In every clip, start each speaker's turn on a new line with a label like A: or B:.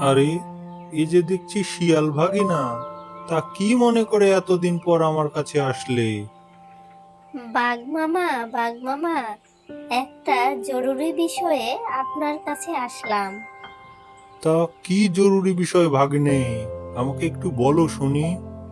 A: আরে, এই যে দেখছি শিয়াল ভাগিনা, তা কি মনে করে এতদিন পর আমার কাছে আসলে?
B: বাঘ মামা, বাঘ মামা, একটা জরুরি বিষয়ে আপনার কাছে আসলাম।
A: তা কি জরুরি বিষয় ভাগ্নে? আমাকে একটু বলো শুনি।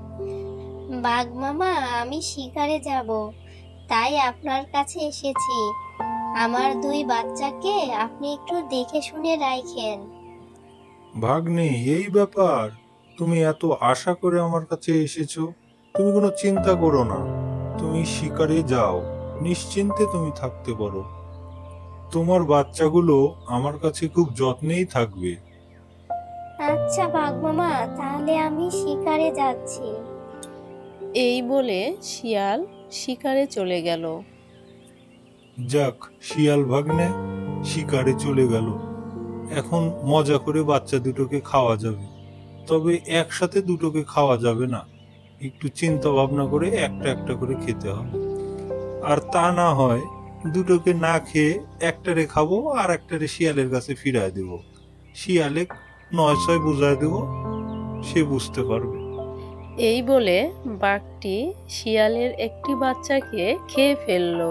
B: বাঘ মামা, আমি শিকারে যাব, তাই আপনার কাছে এসেছি। আমার দুই বাচ্চাকে আপনি একটু দেখে শুনে রাখেন।
A: ভাগ্নে, এই ব্যাপার? তুমি এত আশা করে আমার কাছে এসেছো। তুমি কোনো চিন্তা করো না, তুমি শিকারে যাও, নিশ্চিন্তে তুমি থাকতে পারো। তোমার বাচ্চাগুলো আমার কাছে খুব যত্নেই থাকবে।
B: আচ্ছা বাঘ মামা, তাহলে আমি শিকারে যাচ্ছি।
C: এই বলে শিয়াল শিকারে চলে গেল।
A: যাক, শিয়াল ভাগ্নে শিকারে চলে গেল। এখন মজা করে বাচ্চা দুটোকে খাওয়া যাবে। তবে একসাথে দুটোকে খাওয়া যাবে না, একটু চিন্তা ভাবনা করে একটা একটা করে খেতে হবে। আর তা না হয় দুটোকে না খেয়ে একটারে খাবো আর একটারে শিয়ালের কাছে ফিরায় দেব। শিয়ালে নয় ছয় বুঝায় দেব, সে বুঝতে পারবে।
C: এই বলে বাঘটি শিয়ালের একটি বাচ্চাকে খেয়ে ফেলল।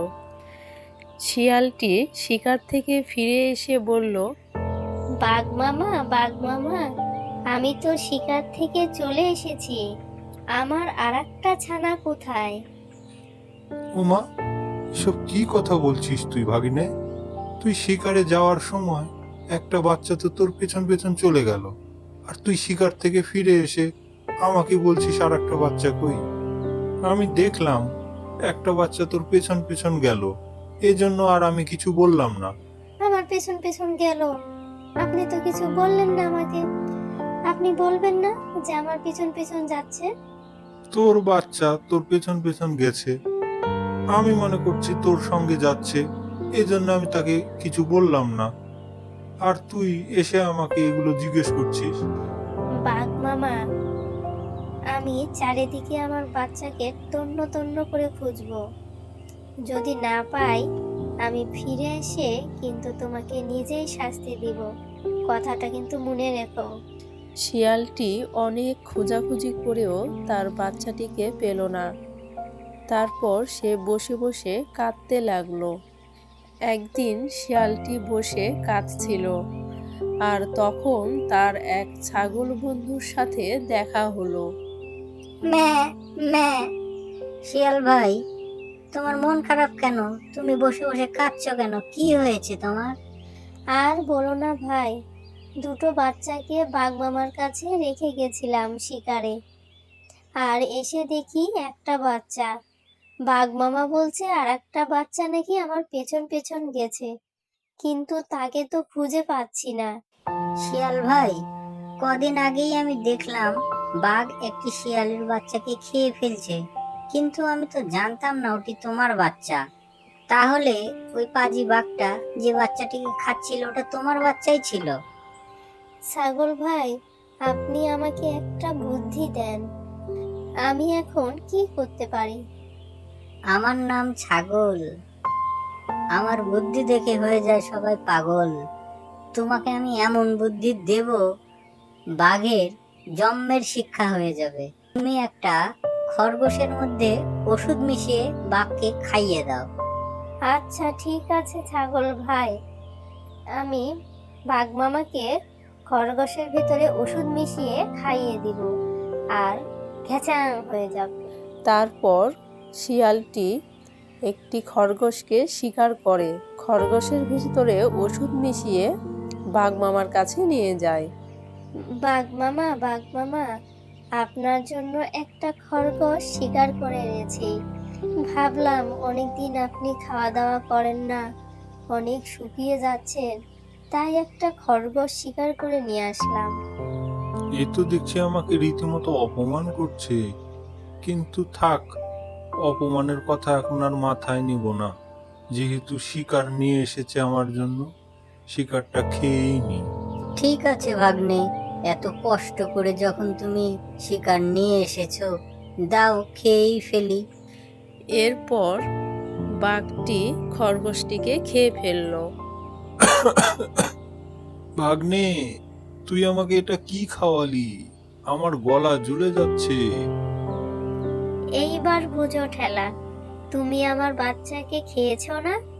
C: শিয়ালটি শিকার থেকে ফিরে এসে বলল,
B: বাঘ মামা, বাঘ মামা, আমি তো শিকার থেকে চলে এসেছি। আমার আরেকটা ছানা কোথায়?
A: ওমা, এসব কি কথা বলছিস তুই ভাগিনে? তুই শিকারে যাওয়ার সময় একটা বাচ্চা তো তোর পেছন পেছন চলে গেল, আর তুই শিকার থেকে ফিরে এসে আমাকে বলছিস আর একটা বাচ্চা কই? আমি দেখলাম একটা বাচ্চা তোর পেছন পেছন গেল, এজন্য আর আমি কিছু বললাম না।
B: আমার পেছন পেছন গেল? আপনি তো কিছু বললেন না আমাকে। আপনি বলবেন না যে আমার পেছন পেছন যাচ্ছে?
A: তোর বাচ্চা তোর পেছন পেছন গেছে, আমি মনে করছি তোর সঙ্গে যাচ্ছে, এজন্য আমি তাকে কিছু বললাম না। আর তুই এসে আমাকে এগুলো জিজ্ঞেস করছিস?
B: বাঘ মামা, আমি চারিদিকে আমার বাচ্চাকে তন্ন তন্ন করে খুঁজবো। যদি না পাই, আমি ফিরে এসে কিন্তু তোমাকে নিজেই শাস্তি দিব। কথাটা কিন্তু মনে রেখো।
C: শিয়ালটি অনেক খোঁজাখুঁজি করেও তার বাচ্চাটিকে পেল না। তারপর সে বসে বসে কাঁদতে লাগলো। একদিন শিয়ালটি বসে কাঁদছিল, আর তখন তার এক ছাগল বন্ধুর সাথে দেখা হলো।
D: ম্যা ম্যা শিয়াল ভাই, তোমার মন খারাপ কেন? তুমি বসে বসে কাঁদছো কেন? কি হয়েছে তোমার?
B: আর বলো না ভাই, দুটো বাচ্চাকে বাঘ মামার কাছে রেখে গেছিলাম শিকারে। আর এসে দেখি একটা বাচ্চা। বাঘ মামা বলছে আর একটা বাচ্চা নাকি আমার পেছন পেছন গেছে, কিন্তু তাকে তো খুঁজে পাচ্ছি না।
D: শিয়াল ভাই, কদিন আগেই আমি দেখলাম বাঘ একটি শিয়ালের বাচ্চাকে খেয়ে ফেলছে, কিন্তু আমি তো জানতাম না ওটি তোমার বাচ্চা। তাহলে ওই পাজি বাঘটা যে বাচ্চাটিকে খাচ্ছিল ওটা তোমার বাচ্চাই ছিল?
B: ছাগল ভাই, আপনি আমাকে একটা বুদ্ধি দেন। আমি এখন কি করতে পারি?
D: আমার নাম ছাগল, আমার বুদ্ধি দেখে হয়ে যায় সবাই পাগল। তোমাকে আমি এমন বুদ্ধি দেব, বাঘের জন্মের শিক্ষা হয়ে যাবে। তুমি একটা খরগোশের মধ্যে ওষুধ মিশিয়ে বাঘকে খাইয়ে দাও।
B: আচ্ছা ঠিক আছে ছাগল ভাই, আমি বাঘ মামাকে খরগোশের ভিতরে ওষুধ মিশিয়ে খাইয়ে দিব, আর ঘ্যাচাং হয়ে যাবে।
C: তারপর শিয়ালটি একটি খরগোশকে শিকার করে খরগোশের ভিতরে ওষুধ মিশিয়ে বাঘ মামার কাছে নিয়ে যায়।
B: বাঘ মামা, বাঘ মামা, আপনার জন্য একটা খরগোশ শিকার করে এনেছি। ভাবলাম অনেকদিন আপনি খাওয়া দাওয়া করেন না, অনেক শুকিয়ে যাচ্ছেন, তাই একটা খরগোশ শিকার করে নিয়ে আসলাম।
A: এ তো দেখছি আমাকে রীতিমতো অপমান করছে। কিন্তু থাক, অপমানের কথা এখন আর মাথায় নিব না। যেহেতু শিকার নিয়ে এসেছে আমার জন্য, শিকারটা খেয়েই নি।
D: ঠিক আছে ভাগ্নে, এত কষ্ট করে যখন তুমি শিকার নিয়ে এসেছো, দাও খেয়েই ফেলি।
C: এরপর বাঘটি খরগোশটিকে খেয়ে ফেলল।
A: ভাগ্নে, তুই আমাকে এটা কি খাওয়ালি? আমার গলা জ্বলে যাচ্ছে।
B: এইবার বুঝো ঠেলা, তুমি আমার বাচ্চাকে খেয়েছো না?